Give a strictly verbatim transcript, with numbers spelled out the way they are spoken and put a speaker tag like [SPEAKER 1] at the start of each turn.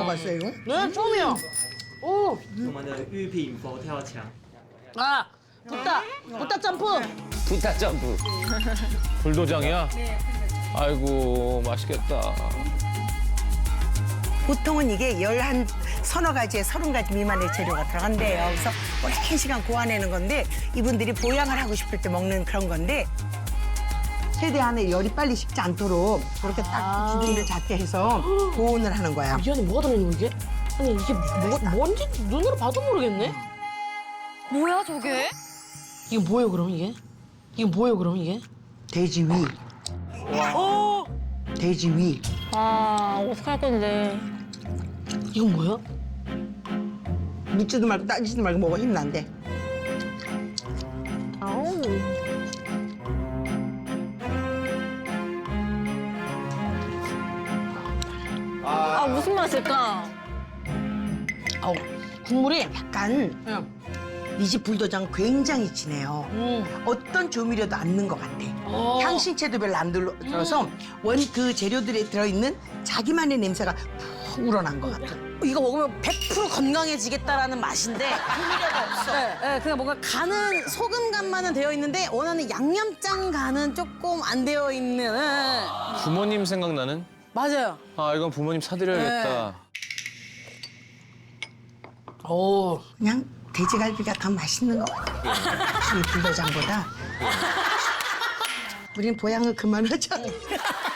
[SPEAKER 1] 먹어봤어요, 이거?
[SPEAKER 2] 네, 처음이야. 오,
[SPEAKER 3] 我们的玉品佛跳墙。
[SPEAKER 2] 아, 부타, 부타 점프.
[SPEAKER 4] 부타 점프. 불도장이야? 아이고, 맛있겠다.
[SPEAKER 1] 보통은 이게 열한 서너 가지에 서른 가지 미만의 재료가 들어간대요. 그래서 오랜 시간 고안해는 건데 이분들이 보양을 하고 싶을 때 먹는 그런 건데 세대 안에 열이 빨리 식지 않도록 그렇게 딱 기둥을 작게 해서 보온을 하는 거야.
[SPEAKER 2] 이 안에 뭐가 들어있는 거 이게? 아니 이게 뭐, 뭔지 눈으로 봐도 모르겠네.
[SPEAKER 5] 뭐야 저게?
[SPEAKER 2] 이게 뭐예요 그럼 이게? 이게 뭐예요 그럼 이게?
[SPEAKER 1] 돼지 위.
[SPEAKER 2] 어,
[SPEAKER 1] 돼지 위.
[SPEAKER 5] 아 어떡할 건데?
[SPEAKER 2] 이건 뭐야?
[SPEAKER 1] 묻지도 말고 따지지도 말고 먹어. 힘난데.
[SPEAKER 5] 아우. 아 무슨 맛일까?
[SPEAKER 1] 어우, 국물이 약간 이 집 불도장 굉장히 진해요.
[SPEAKER 2] 음.
[SPEAKER 1] 어떤 조미료도 안 넣은 것 같아.
[SPEAKER 2] 어.
[SPEAKER 1] 향신채도 별로 안 들어- 들어서 원 그 재료들에 들어있는 자기만의 냄새가 푹 우러난 것 같아.
[SPEAKER 6] 이거 먹으면 백 퍼센트 건강해지겠다라는 맛인데
[SPEAKER 1] 조미료가 없어.
[SPEAKER 6] 네, 네, 그냥 뭔가 간은 소금 간만은 되어 있는데 원하는 양념장 간은 조금 안 되어 있는 네.
[SPEAKER 4] 부모님 생각나는?
[SPEAKER 6] 맞아요.
[SPEAKER 4] 아, 이건 부모님 사드려야겠다.
[SPEAKER 2] 오,
[SPEAKER 1] 그냥 돼지갈비가 더 맛있는 것 같아. 이 불도장보다. 우린 보양을 그만하자.